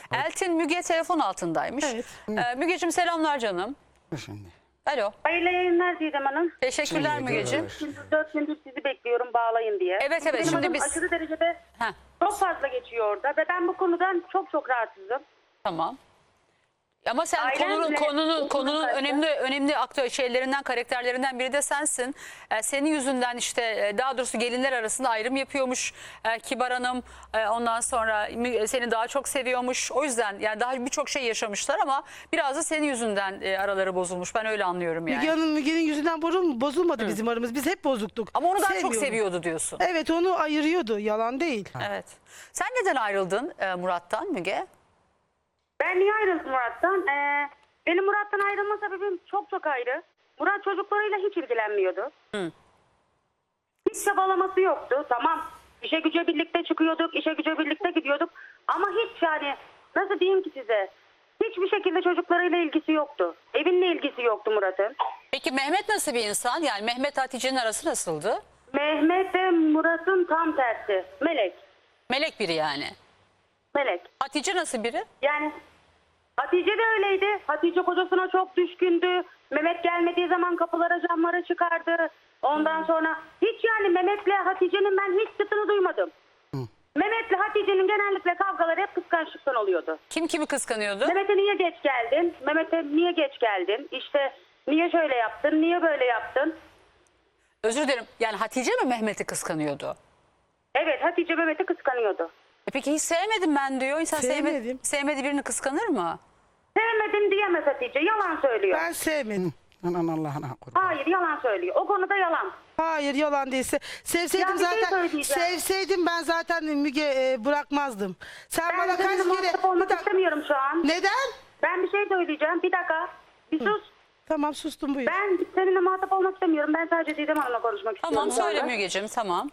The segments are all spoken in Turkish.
Eltin Müge telefon altındaymış. Evet. Mügeciğim selamlar canım. Şimdi. Alo. Hayırlı yayınlar Didem Hanım. Teşekkürler Mügeciğim. Şimdi 4 gündür sizi bekliyorum bağlayın diye. Evet, evet, Benim şimdi adım biz- aşırı derecede Heh, çok fazla geçiyor orada ve ben bu konudan çok rahatsızım. tamam. Ama sen Ailemle konunun karşı- önemli aktör şeylerinden, karakterlerinden biri de sensin. Senin yüzünden işte daha doğrusu gelinler arasında ayrım yapıyormuş Kibar Hanım. Ondan sonra seni daha çok seviyormuş. O yüzden yani daha birçok şey yaşamışlar ama biraz da senin yüzünden araları bozulmuş. Ben öyle anlıyorum yani. Müge'nin yüzünden bozulmadı bizim aramız. Biz hep bozuktuk. Ama onu daha çok Sevmiyorum. seviyordu diyorsun. Evet, onu ayırıyordu. Yalan değil. Evet. Sen neden ayrıldın Murat'tan Müge? Ben niye ayrıldım Murat'tan? Benim Murat'tan ayrılma sebebim çok ayrı. Murat çocuklarıyla hiç ilgilenmiyordu. Hiç çabalaması yoktu. Tamam, işe güce birlikte çıkıyorduk, işe güce birlikte gidiyorduk. Ama hiç yani nasıl diyeyim ki size? Hiçbir şekilde çocuklarıyla ilgisi yoktu. Evinle ilgisi yoktu Murat'ın. Peki Mehmet nasıl bir insan? Yani Mehmet Hatice'nin arası nasıldı? Mehmet de Murat'ın tam tersi. Melek. Melek biri yani. Melek. Hatice nasıl biri? Yani Hatice de öyleydi. Hatice kocasına çok düşkündü. Mehmet gelmediği zaman kapılara camlara çıkardı. Ondan sonra hiç yani Mehmet'le Hatice'nin ben hiç çıtını duymadım. Mehmet'le Hatice'nin genellikle kavgaları hep kıskançlıktan oluyordu. Kim kimi kıskanıyordu? Mehmet'e niye geç geldin? Mehmet'e niye geç geldin? İşte niye şöyle yaptın? Niye böyle yaptın? Özür dilerim. Yani Hatice mi Mehmet'i kıskanıyordu? Evet, Hatice Mehmet'i kıskanıyordu. Peki hiç sevmedim ben diyor. İnsan Sevmedim. sevmediği birini kıskanır mı? Sevmedim diyemez Hatice. Yalan söylüyor. Ben sevmedim. Anan Allah'ına kurban. Hayır, yalan söylüyor. O konuda yalan. Hayır, yalan değilse. Sevseydim Ya bir şey zaten. söyleyeceğim. Sevseydim ben zaten Müge bırakmazdım. Sen Ben bana kaç seninle kere... muhatap olmak Bir dakika. istemiyorum şu an. Neden? Ben bir şey söyleyeceğim. Bir dakika. Bir sus. Tamam, sustum, buyur. Ben seninle muhatap olmak istemiyorum. Ben sadece Didem Hanım'la konuşmak Tamam istiyorum. söyle Mügeciğim tamam.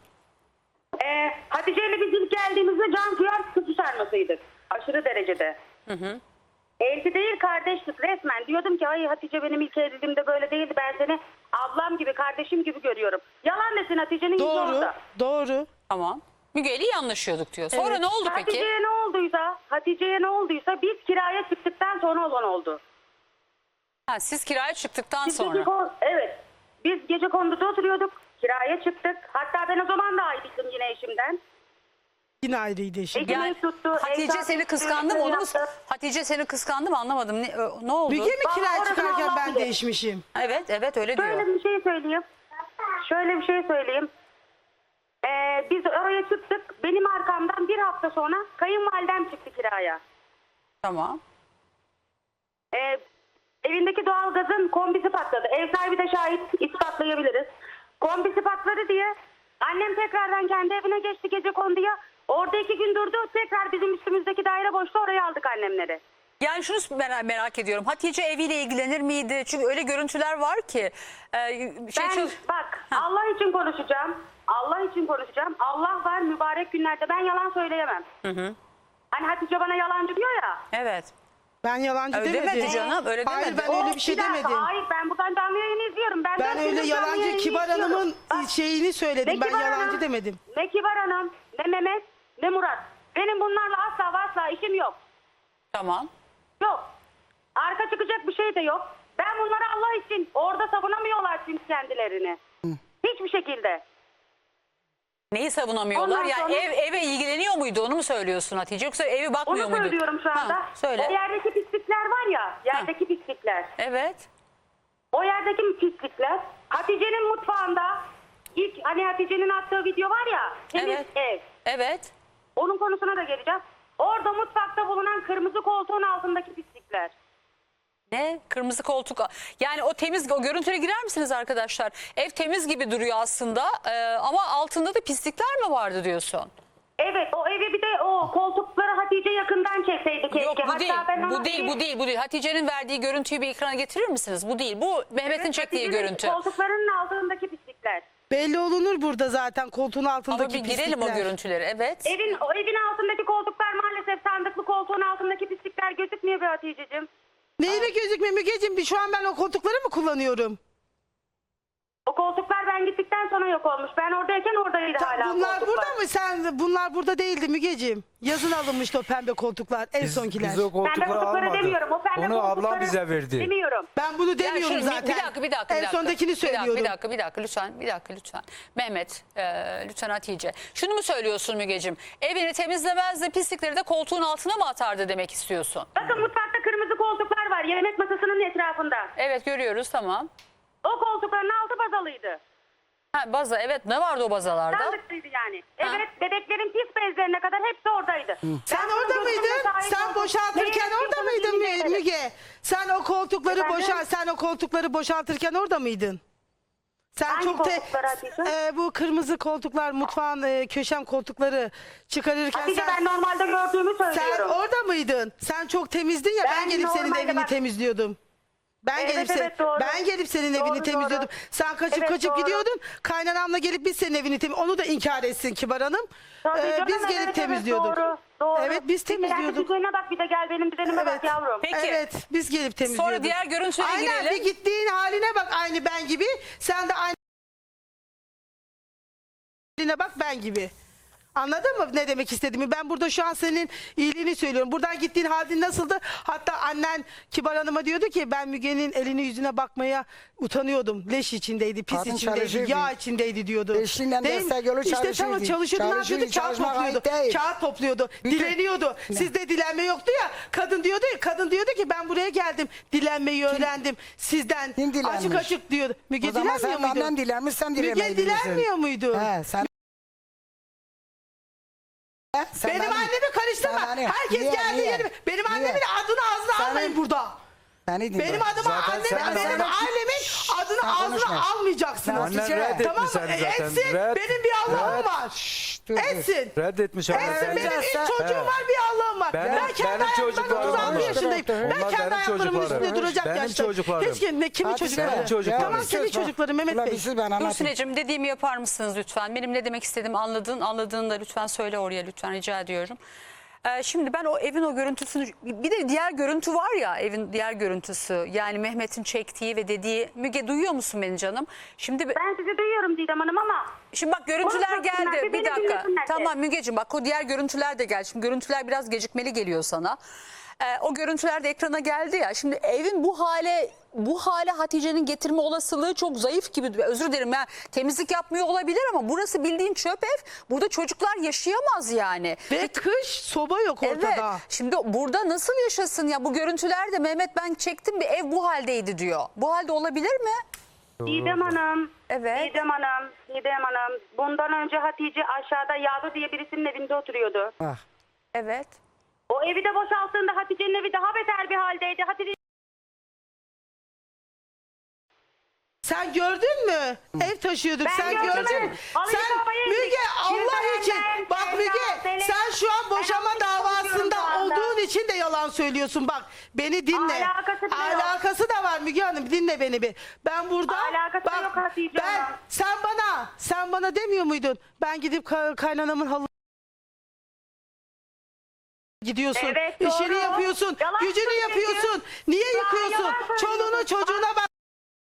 Hatice ile biz ilk geldiğimizde can kıyar kutu sarmasıydık. Aşırı derecede. Elti değil kardeşlik resmen. Diyordum ki ay Hatice benim ilk evliliğimde böyle değildi. Ben seni ablam gibi kardeşim gibi görüyorum. Yalan desin Hatice'nin yüzü Doğru, orada. doğru. Tamam. Müge ile iyi anlaşıyorduk diyor. Sonra ne oldu peki? Hatice'ye ne olduysa biz kiraya çıktıktan sonra olan oldu. Ha, siz kiraya çıktıktan Biz sonra. evet. Biz gece konduda oturuyorduk. Kiraya çıktık. Hatta ben o zaman da ayrıydım yine eşimden. Yine ayrıydı eşim. Eşim Yani ev tuttu. Hatice evlat seni tuttu, kıskandı mı? ev Onu mu? yaptı. Hatice seni kıskandı mı anlamadım. Ne oldu? Müge mi kiraya Orasını çıkarken Allah ben bilir. değişmişim? Evet öyle diyor. Şöyle bir şey söyleyeyim. Biz oraya çıktık. Benim arkamdan bir hafta sonra kayınvalidem çıktı kiraya. Tamam. Evindeki doğalgazın kombisi patladı. Ev sahibi de şahit, ispatlayabiliriz. Kombisi patladı diye annem tekrardan kendi evine geçti gece konduya. Orada 2 gün durdu. Tekrar bizim üstümüzdeki daire boştu. Oraya aldık annemleri. Yani şunu merak ediyorum. Hatice eviyle ilgilenir miydi? Çünkü öyle görüntüler var ki. Bak Allah için konuşacağım. Allah var mübarek günlerde. Ben yalan söyleyemem. Hani Hatice bana yalancı diyor ya. Evet. Ben yalancı Öyle demedim. demedi canım, öyle Hayır, demedi. ben öyle bir şey dakika, demedim. Hayır, ben buradan canlı yayını izliyorum. Ben dört öyle gündür canlı yalancı yayını Kibar izliyorum. Hanım'ın Bak, şeyini söyledim. Ben Kibar yalancı Hanım, demedim. Ne Kibar Hanım, ne Mehmet, ne Murat. Benim bunlarla asla işim yok. Tamam. Yok. Arka çıkacak bir şey de yok. Ben bunları Allah için orada savunamıyorlar çünkü kendilerini. Hiçbir şekilde. Neyi savunamıyorlar? Ondan Yani sonra- eve ilgileniyor muydu onu mu söylüyorsun Hatice? Yoksa evi bakmıyor Onu muydu? söylüyorum şu anda. Ha, söyle. O yerdeki pislikler var ya, yerdeki pislikler. Evet. O yerdeki pislikler Hatice'nin mutfağında ilk hani Hatice'nin attığı video var ya, temiz Evet. ev. Evet. Onun konusuna da geleceğiz. Orada mutfakta bulunan kırmızı koltuğun altındaki pislikler. Ne? Kırmızı koltuk. Yani o görüntüye girer misiniz arkadaşlar? Ev temiz gibi duruyor aslında ama altında da pislikler mi vardı diyorsun? Evet, o evi bir de o koltukları Hatice yakından çekseydi keşke. Yok bu Hatta değil. ben ona Bu değil. Hatice'nin verdiği görüntüyü bir ekrana getirir misiniz? Bu değil. Bu Mehmet'in çektiği Hatice'nin görüntü. Koltuklarının altındaki pislikler. Belli olunur burada zaten koltuğun altındaki Ama bir girelim pislikler. o görüntüleri. Evet. O evin altındaki koltuklar maalesef sandıklı koltuğun altındaki pislikler gözükmüyor be Hatice'cim. Neyle gözükmüyor Mügeciğim? Şu an ben o koltukları mı kullanıyorum? O koltuklar ben gittikten sonra yok olmuş. Ben oradayken oradaydı hala Bunlar koltuklar. burada mı? Bunlar burada değildi Mügeciğim. Yazın alınmıştı o pembe koltuklar. En sonkiler. Biz o Pembe koltukları koltukları almadık. demiyorum. O pembe Onu ablam koltukları bize verdi. demiyorum. Ben bunu Ya demiyorum şimdi zaten. bir dakika. En sondakini söylüyorum. Bir dakika lütfen. Mehmet, lütfen Hatice. Şunu mu söylüyorsun Mügeciğim? Evini temizlemezdi, pislikleri de koltuğun altına mı atardı demek istiyorsun? Bakın mutfakta kırmızı koltuklar var. Yemek masasının etrafında. Evet, görüyoruz, tamam. O koltukların altı bazalıydı. Ha, baza, evet, ne vardı o bazalarda? Sandıklıydı yani. Ha. Evet, bebeklerin pis bezlerine kadar hepsi oradaydı. Sen Ben orada bunu mıydın? gözümle şahit Sen oldum. boşaltırken Neyi orada yapıyorsunuz mıydın bilmiyorum. Müge? Sen o koltukları boşaltırken orada mıydın? Sen Hangi çok koltukları Hatice? bu kırmızı koltuklar, mutfağın köşem koltukları çıkarırken Hatice ben normalde gördüğümü sen söylüyorum. orada mıydın? Sen çok temizdin ya, ben Ben gelip senin normalde evini bak- temizliyordum. Evet, doğru. Ben gelip senin Doğru, evini temizliyordum. doğru. Sen kaçıp Evet, doğru. gidiyordun. Kaynanamla gelip biz senin evini onu da inkar etsin Kibar Hanım. Tabii canım, Biz evet, gelip evet, temizliyorduk. Doğru. Evet, biz Bir de temizliyorduk. düzenine bak, bir de gel benim düzenime bak yavrum. Peki. Evet, biz gelip temizliyorduk. Sonra diğer görüntüye Aynen, girelim. bir gittiğin haline bak, aynı ben gibi. Sen de aynı haline bak, ben gibi. Anladın mı ne demek istediğimi? Ben burada şu an senin iyiliğini söylüyorum. Buradan gittiğin halin nasıldı? Hatta annen Kibar Hanım'a diyordu ki ben Müge'nin eline yüzüne bakmaya utanıyordum. Leş içindeydi, pis Kadın içindeydi, çalışırdı. yağ içindeydi diyordu. Eşinden Değil mi? destek yolu İşte tamam, çalışırdı. çalışıyordu. Ne Çalışırdı, yapıyordu? Kağıt çalışmak topluyordu. ait değil. Kağıt topluyordu. Dileniyordu. Sizde dilenme yoktu ya. Kadın diyordu ki ben buraya geldim. Dilenmeyi öğrendim. Sizden Kim dilenmiş? açık açık diyordu. Müge O zaman dilenmiyor sen muydu? benden dilenmiş, sen dilemeyi Müge bilirsin. dilenmiyor muydu? He, sen... Sen Benim annemi karıştırma. sen hani- Herkes niye, geldi niye? yerime. Benim Niye? annemin adını ağzına Sen- almayın burada. Seni dinle. Benim adıma Zaten annemin, sen- benim sen- ailemin adını sen ağzına konuşma. almayacaksınız. Sen- Annen Hatice. reddetmiş Tamam mı? seni zaten. Etsin. Benim bir Allah'ım var. Şşş, dur, dur. Etsin. Reddetmiş annen Etsin. seni. Benim Sen- ilk çocuğum var, bir Allah'ım var. Benim- Ben kendi benim ayaklarımın çocuklarım 36 var. yaşındayım. Ben Onlar kendi benim ayaklarımın çocuklarım. üstünde duracak Benim yaşta. çocuklarım. Hiç kimin Hadi çocukları? benim çocuklarım. Tamam, senin çocukların Mehmet Ulan Bey. bir sus, ben anlatayım. Gülsüneciğim, dediğimi yapar mısınız lütfen? Benim ne demek istediğimi anladığını da lütfen söyle oraya, lütfen rica ediyorum. Şimdi ben o evin o görüntüsünü, bir de diğer görüntü var ya, evin diğer görüntüsü, yani Mehmet'in çektiği ve dediği. Müge, duyuyor musun beni canım? Şimdi Ben sizi duyuyorum Didem Hanım ama bak görüntüler Konuşmasınlar, geldi. bir Bir beni dakika. dinlesinler. Tamam Mügeciğim, bak o diğer görüntüler de geldi. Şimdi görüntüler biraz gecikmeli geliyor sana. O görüntüler de ekrana geldi ya. Şimdi evin bu hale Hatice'nin getirme olasılığı çok zayıf gibi. Özür dilerim, ya temizlik yapmıyor olabilir ama burası bildiğin çöp ev. Burada çocuklar yaşayamaz yani. Ve kış soba yok ortada. Evet. Şimdi burada nasıl yaşasın ya? Bu görüntülerde Mehmet ben çektim, bir ev bu haldeydi diyor. Bu halde olabilir mi? Didem Hanım. Evet. Didem Hanım. Bundan önce Hatice aşağıda Yağlı diye birisinin evinde oturuyordu. Bak. Evet. O evi de boşalttığında Hatice'nin evi daha beter bir haldeydi. Hatice Sen gördün mü? Ev taşıyorduk. Ben Sen gördüm, gördün mü? evet. Halıyı Sen kafaya Müge, indik. Allah için Yüzünden, bak Sevda, Müge, Selin. sen şu an boşama Ben konuşuyorum davasında şu anda. olduğun için de yalan söylüyorsun. Bak beni dinle. Alakası bile yok. Alakası da var Müge Hanım, dinle beni bir. Ben burada Alakası yok Hatice Hanım. sen bana demiyor muydun? Ben gidip kaynanamın halı gidiyorsun. Evet, İşini doğru. yapıyorsun. Yalan Gücünü söylüyorsun. yapıyorsun. Niye Ya, yıkıyorsun? yalan Çoluğunu söylüyorsun. çocuğuna bak.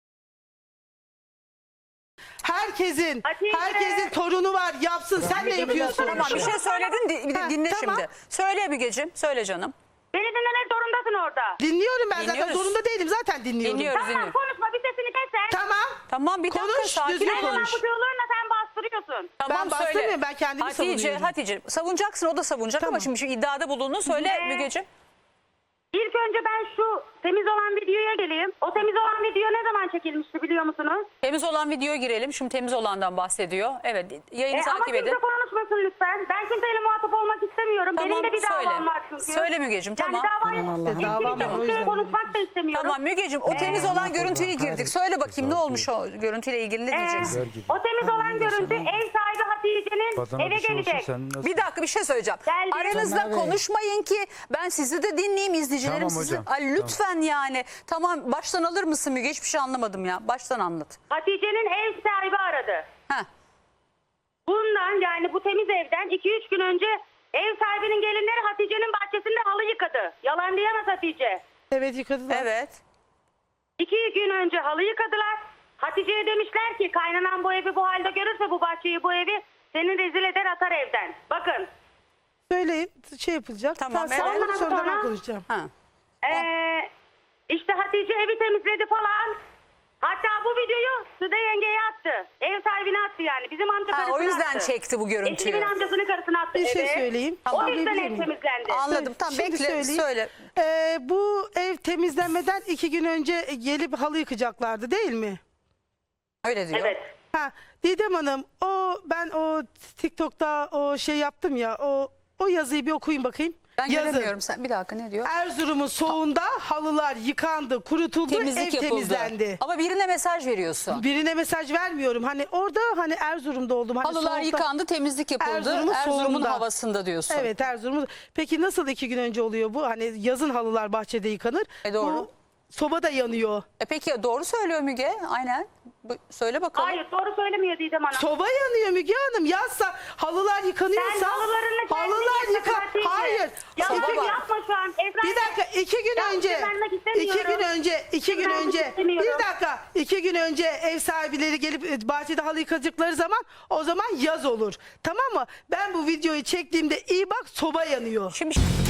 Herkesin Hatice. torunu var, yapsın. Sen ne yapıyorsun? Tamam, bir şey söyledin, bir de Ha, dinle tamam. şimdi. Söyle Mügeciğim, söyle canım. beni dinlemek zorundasın orada. Dinliyorum ben zaten, Dinliyoruz. zorunda değilim, zaten dinliyorum. Dinliyoruz. Tamam, konuşma, bir sesini kes sen. Tamam. Tamam, bir dakika, Konuş, sakin düzgün ol. konuş. Bu diyorlarına sen bastırıyorsun. Tamam, Ben söyle. bastırmıyorum, ben kendimi savunuyorum. Hatice savunacaksın, o da savunacak ama Tamam. şimdi iddiada bulunduğunu söyle Ne? Mügeciğim. İlk önce ben şu temiz olan videoya geleyim. O temiz olan video ne zaman çekilmişti biliyor musunuz? Temiz olan videoya girelim. Şimdi temiz olandan bahsediyor. Evet, yayını Ama takip kimse edin. konuşmasın lütfen. Ben kimseyle muhatap olmak istemiyorum. Tamam, Benim de bir söyle. davam var çünkü. Söyle Mügeciğim, tamam. Yani davayı Aman Allah'ım. Davam var, o kimseyle yüzden. konuşmak da istemiyorum. Tamam Mügeciğim, o temiz olan görüntüye girdik. Söyle bakayım ne olmuş o görüntüyle ilgili, ne diyeceksin? O temiz olan görüntü ev sahibi Hatice'nin Badana eve bir şey olsun, gelecek. sen nasıl- Bir dakika, bir şey söyleyeceğim. Geldi. Aranızda Tamam, evet. konuşmayın ki ben sizi de dinleyeyim, izleyicilerim Tamam sizi. hocam, Ay, lütfen yani. Tamam, baştan alır mısın Müge? Hiçbir şey anlamadım ya. Baştan anlat. Hatice'nin ev sahibi aradı. Heh. Bundan yani bu temiz evden 2-3 gün önce ev sahibinin gelinleri Hatice'nin bahçesinde halı yıkadı. Yalan diyemez Hatice. Evet, yıkadılar. Evet. 2 gün önce halı yıkadılar. Hatice'ye demişler ki kaynanan bu evi bu halde görürse bu bahçeyi bu evi seni rezil eder atar evden. Bakın. Söyleyin şey yapılacak. Tamam, Sen evet. sonra ben Sonra- konuşacağım. Ha. İşte Hatice evi temizledi falan. Hatta bu videoyu Sude yengeye attı. Ev sahibine attı yani. Bizim amca Ha, karısına o yüzden attı. çekti bu görüntüyü. Eşimin amcasının karısına attı Bir şey eve. söyleyeyim. O Tamam. yüzden Söyleyebilir ev miyim? temizlendi. Anladım. Tamam, Şimdi bekle. söyleyeyim. Söyle. Bu ev temizlenmeden 2 gün önce gelip halı yıkacaklardı değil mi? Öyle diyor. Evet. Ha, Didem Hanım ben o TikTok'ta o şey yaptım ya o yazıyı bir okuyun bakayım. Ben Yazın. göremiyorum. Sen bir dakika, ne diyor? Erzurum'un soğuğunda halılar yıkandı, kurutuldu, Temizlik ev yapıldı. temizlendi. Ama birine mesaj veriyorsun. Birine mesaj vermiyorum. Hani orada hani Erzurum'da oldum. Hani Halılar soğukta- yıkandı, temizlik yapıldı. Erzurum'un Erzurum'un soğuğunda. havasında diyorsun. Evet, Erzurum'da. Peki nasıl 2 gün önce oluyor bu? Hani yazın halılar bahçede yıkanır. Doğru. Bu soba da yanıyor. Peki doğru söylüyor Müge. Aynen. Söyle bakalım. Hayır doğru söylemiyor Didem Hanım. Soba yanıyor Müge Hanım. Yazsa halılar yıkanıyorsa Sen halılarını kendin halılar yıka, Hatice. Hayır. Ya Soba bak var. yapma şu an. Esra Bir dakika 2 gün Ya önce güvenmek 2 gün istemiyorum. önce 2 gün Güvenmek önce istemiyorum. bir dakika 2 gün önce ev sahipleri gelip bahçede halı yıkacakları zaman o zaman yaz olur. Tamam mı? Ben bu videoyu çektiğimde iyi bak soba yanıyor. Şimdi